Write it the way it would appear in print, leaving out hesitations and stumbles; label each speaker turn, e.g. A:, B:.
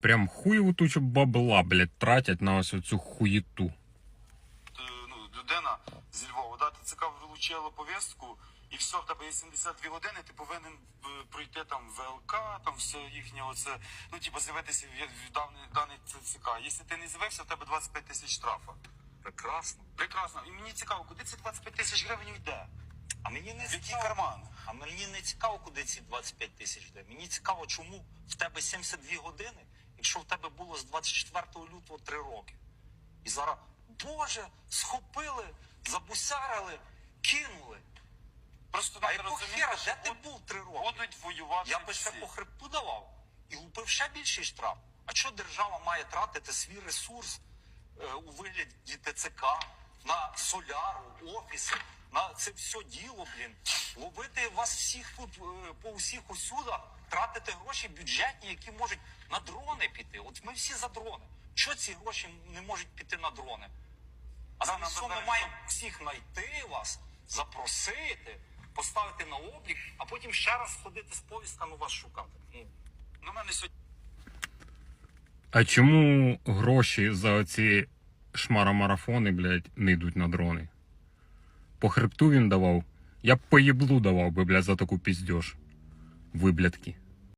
A: Прям хуєву тучу бабла, блядь, тратять на ось оцю хуєту.
B: Людина зі Львова, да, ТЦК вручило повістку, і все, в тебе є 72 години, ти повинен пройти там ВЛК, там все їхнє оце, ну, типу, з'явитися в даний ТЦК. Якщо ти не з'явився, в тебе 25 тисяч штрафа.
C: Прекрасно.
B: Прекрасно. І мені цікаво, куди ці 25 тисяч гривень йде?
C: А мені не
B: В який
C: цікаво,
B: карман?
C: а мені не цікаво, куди ці 25 тисяч йде. Мені цікаво, чому в тебе 72 години, якщо в тебе було з 24 лютого 3 роки. І зараз, Боже, схопили, забусярили, кинули.
B: Просто
C: А
B: треба
C: якого
B: розуміти,
C: хера,
B: що
C: де ти був 3 роки?
B: будуть воювати
C: Я би ще
B: всі.
C: по хребту давав і лупив ще більший штраф. А що держава має тратити свій ресурс у вигляді ТЦК, на соляру, офіси, на це все діло, блін. Ловити вас всіх тут по усіх усюдах, тратити гроші бюджетні, які можуть на дрони піти. От ми всі за дрони. Що ці гроші не можуть піти на дрони? А
B: Да,
C: замість
B: нам
C: цього ми
B: зараз-
C: маємо всіх знайти вас, запросити, поставити на облік, а потім ще раз ходити з повістками вас шукати. Ну,
B: На мене сьогодні
A: А чому гроші за оці шмаромарафони, блядь, не йдуть на дрони? По хребту він давав. Я б по єблу давав би, блядь, за таку піздьош. Виблядки.